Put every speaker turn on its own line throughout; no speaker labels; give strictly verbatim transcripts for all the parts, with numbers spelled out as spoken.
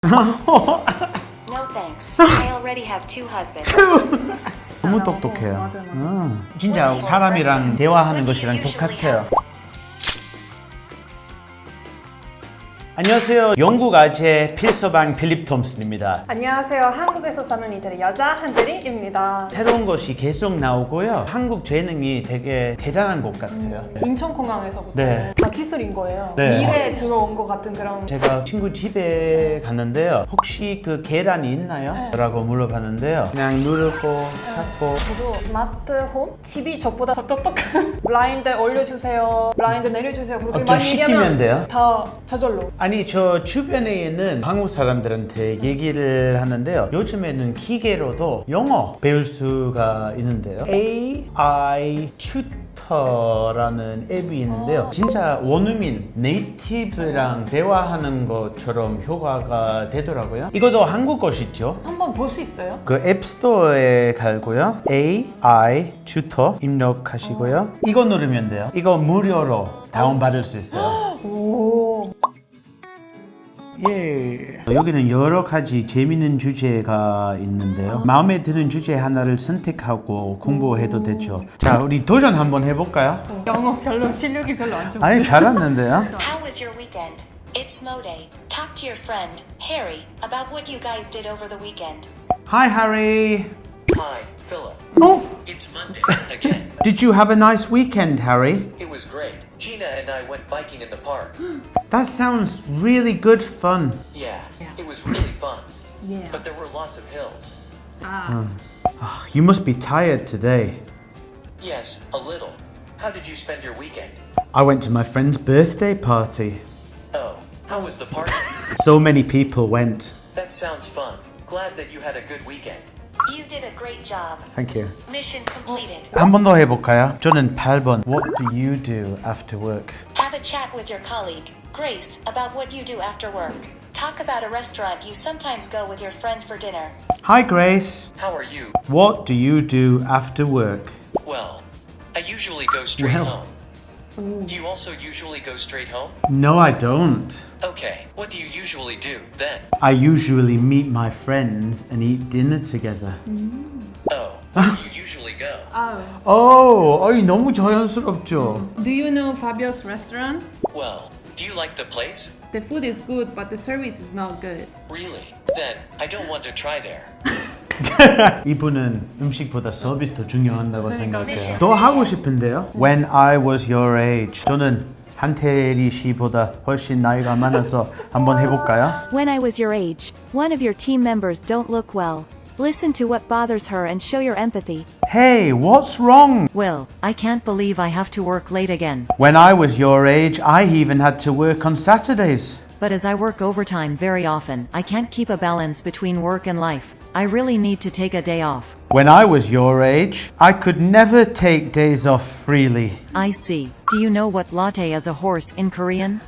No thanks. I already have two husbands.
너무 똑똑해요.
맞아요, 맞아요.
음, 진짜 사람이랑 대화하는 것이랑 똑같아요. 안녕하세요. 영국 아재 필서방 필립 톰슨입니다.
안녕하세요. 한국에서 사는 이들의 여자 한들이입니다.
새로운 것이 계속 나오고요. 한국 재능이 되게 대단한 것 같아요.
인천공항에서부터
네.
다 기술인 거예요.
네.
미래에 들어온 것 같은 그런.
제가 친구 집에 갔는데요. 혹시 그 계란이 있나요?
네.
라고 물어봤는데요. 그냥 누르고 찾고
저도 스마트홈? 집이 저보다 더 똑똑한 블라인드 올려주세요, 블라인드 내려주세요 그렇게
어, 좀
많이
시키면
얘기하면
돼요?
다 저절로.
아니 저 주변에 있는 한국 사람들한테 얘기를 하는데요. 요즘에는 기계로도 영어 배울 수가 있는데요. 에이아이 튜터라는 앱이 있는데요. 진짜 원어민 네이티브랑 대화하는 것처럼 효과가 되더라고요. 이것도 한국 것이죠.
한번 볼 수 있어요?
그 앱스토어에 갈고요. 에이아이 튜터 입력하시고요. 이거 누르면 돼요. 이거 무료로 다운받을 수 있어요.
오.
예. 여기는 여러 가지 재미있는 주제가 있는데요. 마음에 드는 주제 하나를 선택하고 공부해도 되죠. 자, 우리 도전 한번 해볼까요?
영어 별로 실력이 별로 안 좋고.
아니, 잘했는데요.
How was your weekend? It's Mo Day. Talk to your friend, Harry, about what you guys did over the weekend.
Hi, Harry.
Hi, Philip.
Oh,
It's Monday again.
did you have a nice weekend, Harry?
It was great. Gina and I went biking in the park.
That sounds really good fun.
Yeah, it was really fun.
Yeah.
But there were lots of hills.
아.
You must be tired today.
Yes, a little. How did you spend your weekend?
I went to my friend's birthday party.
Oh, how was the party?
So many people went.
That sounds fun. Glad that you had a good weekend.
You did a great job.
Thank you.
Mission completed.
한 번 더 해볼까요? 저는 팔 번. What do you do after work?
Have a chat with your colleague, Grace, about what you do after work. Talk about a restaurant you sometimes go with your friend for dinner.
Hi, Grace.
How are you?
What do you do after work?
Well, I usually go straight
Well.
home. Do you also usually go straight home?
No, I don't.
Okay, what do you usually do then?
I usually meet my friends and eat dinner together.
Oh, where do you usually go?
아.
Oh, 어이, 너무 자연스럽죠?
Do you know Fabio's restaurant?
Well, do you like the place?
The food is good, but the service is not good.
Really? Then I don't want to try there.
이분은 음식보다 서비스 더 중요한다고
그러니까.
생각해요. 더 하고 싶은데요? When I was your age. 저는 한태리 씨보다 훨씬 나이가 많아서 한번 해볼까요?
When I was your age, one of your team members don't look well. Listen to what bothers her and show your empathy.
Hey, what's wrong?
Will, I can't believe I have to work late again.
When I was your age, I even had to work on Saturdays.
But as I work overtime very often, I can't keep a balance between work and life. I really need to take a day off.
When I was your age, I could never take days off freely.
I see. Do you know what latte is a horse in Korean?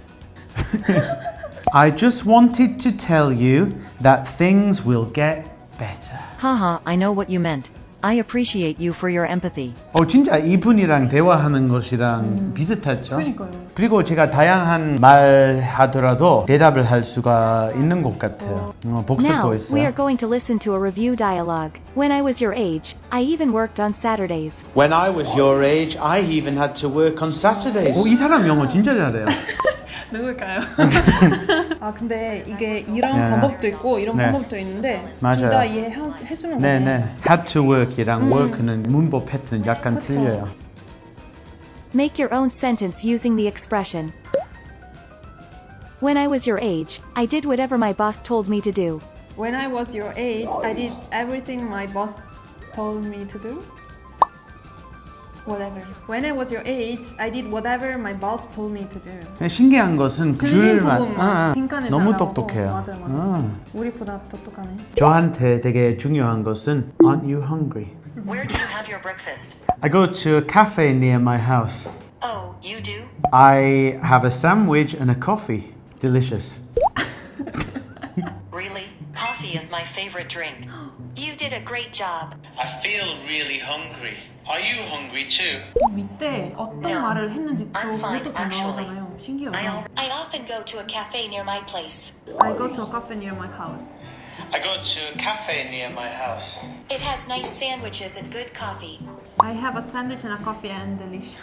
I just wanted to tell you that things will get better.
Haha, I know what you meant. I appreciate you for your empathy.
어, 진짜 이분이랑 대화하는 것이랑 비슷하죠?
그러니까요.
그리고 제가 다양한 말 하더라도 대답을 할 수가 있는 것 같아요. 어, 복습도
Now, we
있어요.
are going to listen to a review dialogue. When I was your age, I even worked on Saturdays.
When I was your age, I even had to work on Saturdays. 오, 이 사람 영어 진짜 잘해요.
누굴까요? 아 근데 이게 이런
네.
방법도 있고 이런
네.
방법도 있는데
맞아요.
둘 다 이해해주는 거네.
네네. had to work이랑 work는 문법 패턴 약간
그쵸.
틀려요.
Make your own sentence using the expression. When I was your age, I did whatever my boss told me to do.
When I was your age, I did everything my boss told me to do. Whatever. When I was your age, I did whatever my boss told me to do.
신기한 것은
들린
줄만
부분만
아, 아,
빈칸에
너무
다 나오고.
똑똑해요.
맞아요, 맞아요.
아.
우리보다 똑똑하네.
저한테 되게 중요한 것은 Aren't you hungry?
Where do you have your breakfast?
I go to a cafe near my house.
Oh, you do?
I have a sandwich and a coffee. Delicious.
Really? Coffee is my favorite drink. You did a great job.
I feel really hungry. Are you hungry too?
밑에 어떤
No.
말을 했는지 또
I'm fine,
그것도 다
actually.
나오잖아요. 신기하다.
I often go to a cafe near my place.
I go to a cafe near my house.
I go to a cafe near my house.
It has nice sandwiches and good coffee.
I have a sandwich and a coffee and delicious.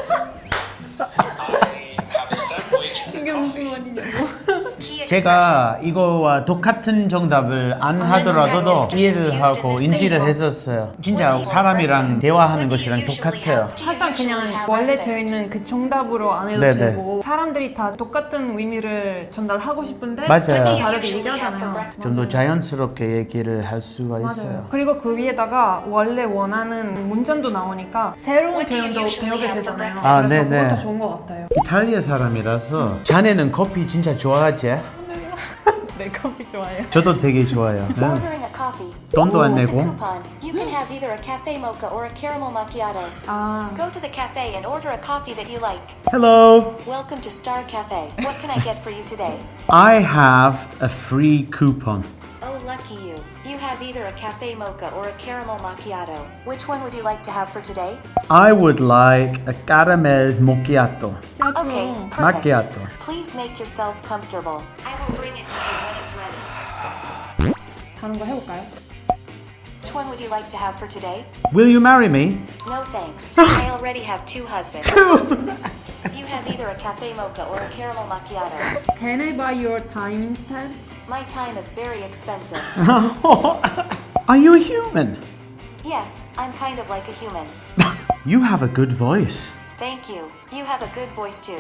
I have a sandwich.
이게 무슨 말이냐고.
Key expression.
제가 이거와 똑같은 정답을 안 하더라도 이해를 하고 인지를 했었어요. 진짜 사람이랑 대화하는 것이랑 똑같아요.
항상 그냥 원래 되어 있는 그 정답으로 안 해도
네네.
되고 사람들이 다 똑같은 의미를 전달하고 싶은데
맞아요.
좀 다르게 얘기하잖아요.
좀 더
맞아요.
자연스럽게 얘기를 할 수가 있어요.
맞아요. 그리고 그 위에다가 원래 원하는 문장도 나오니까 새로운
What do you
표현도
usually
배우게
have for
되잖아요.
아,
그래서
네네.
그것도 좋은 것 같아요.
이탈리아 사람이라서 자네는 커피 진짜 좋아하지?
네, 커피 좋아해요.
저도 되게 좋아요. 응.
Ordering a coffee.
돈도 안
With the
내고.
coupon, you can have either a cafe mocha or a caramel macchiato.
아,
Go to the cafe and order a coffee that you like.
Hello.
Welcome to Star Cafe. What can I get for you today?
I have a free coupon.
Oh, lucky you. You have either a cafe mocha or a caramel macchiato. Which one would you like to have for today?
I would like a caramel macchiato.
Okay, perfect.
Macchiato.
Please make yourself comfortable. I will bring it to you when it's ready.
다른 거 해볼까요?
Which one would you like to have for today?
Will you marry me?
No thanks. I already have two husbands. You have either a cafe mocha or a caramel macchiato.
Can I buy your time instead?
My time is very expensive.
Are you a human?
Yes, I'm kind of like a human.
You have a good voice.
Thank you. You have a good voice too.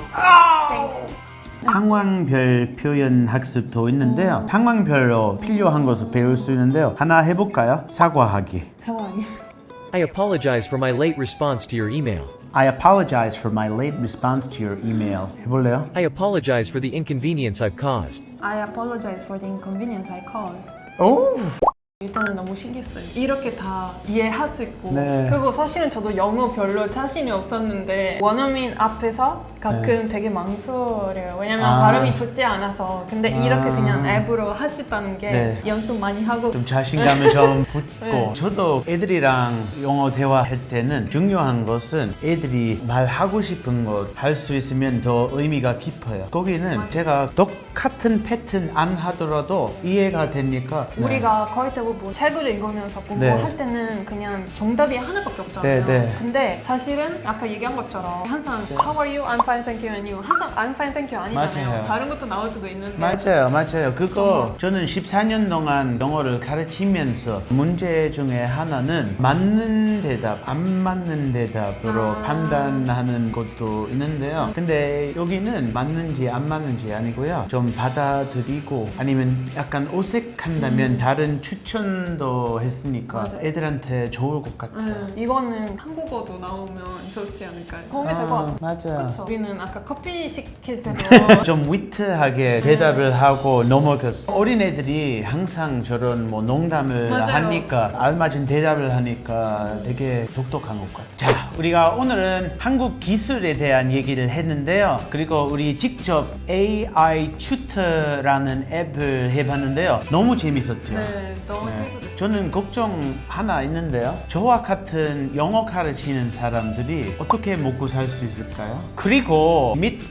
상황별 표현 학습도 있는데요. 상황별로 필요한 것을 배울 수 있는데요. 하나 해볼까요? 사과하기.
상황이.
I apologize for my late response to your email.
I apologize for my late response to your email. 해볼래요?
I apologize for the inconvenience I've caused.
I apologize for the inconvenience I caused.
오.
일단은 너무 신기했어요. 이렇게 다 이해할 수 있고
네.
그리고 사실은 저도 영어 별로 자신이 없었는데 원어민 앞에서 가끔 되게 망설여요. 왜냐면
아.
발음이 좋지 않아서 근데
아.
이렇게 그냥 앱으로 할 수 있다는 게
네.
연습 많이 하고
좀 자신감을 좀 붙고
네.
저도 애들이랑 영어 대화할 때는 중요한 것은 애들이 말하고 싶은 것 할 수 있으면 더 의미가 깊어요. 거기는
맞아요.
제가 똑같은 패턴 안 하더라도 이해가 되니까 네.
우리가 거의 대부분 책을 읽으면서 공부할
네.
때는 그냥 정답이 하나밖에 없잖아요.
네, 네.
근데 사실은 아까 얘기한 것처럼 항상 How are you? I'm fine, thank you. and you. 항상 I'm fine, thank you 아니잖아요.
맞아요.
다른 것도 나올 수도 있는데
맞아요, 맞아요. 그거 저는 십사 년 동안 영어를 가르치면서 문제 중에 하나는 맞는 대답, 안 맞는 대답으로
아.
판단하는 것도 있는데요. 근데 여기는 맞는지 안 맞는지 아니고요. 좀 받아들이고 아니면 약간 어색한다면 다른 추천도 했으니까
맞아요.
애들한테 좋을 것 같아요.
음, 이거는 한국어도 나오면 좋지 않을까요? 도움이 될 것 같아요.
맞아요.
그쵸? 우리는 아까 커피 시킬 때도
좀 위트하게 대답을 하고 넘어갔어. 어린애들이 항상 저런 뭐 농담을
맞아요.
하니까 알맞은 대답을 하니까 되게 독특한 것 같아요. 자, 우리가 오늘은 한국 기술에 대한 얘기를 했는데요. 그리고 우리 직접 에이아이 튜터라는 앱을 해봤는데요. 너무 재밌었죠?
네, 너무
네.
재밌었어요.
저는 걱정 하나 있는데요. 저와 같은 영어 가르치는 사람들이 어떻게 먹고 살 수 있을까요? 그리고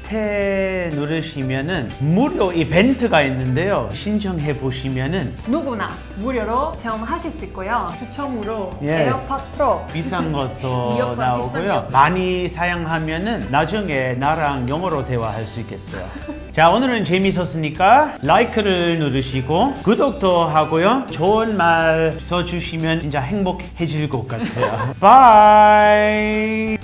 밑에 누르시면은 무료 이벤트가 있는데요. 신청해 보시면은
누구나 무료로 체험하실 수 있고요. 추첨으로
예.
에어팟 프로
비싼 것도
이어폰
나오고요.
비싸면.
많이 사용하면은 나중에 나랑 영어로 대화할 수 있겠어요. 자, 오늘은 재밌었으니까 라이크를 누르시고 구독도 하고요. 좋은 말 써주시면 진짜 행복해질 것 같아요. 바이.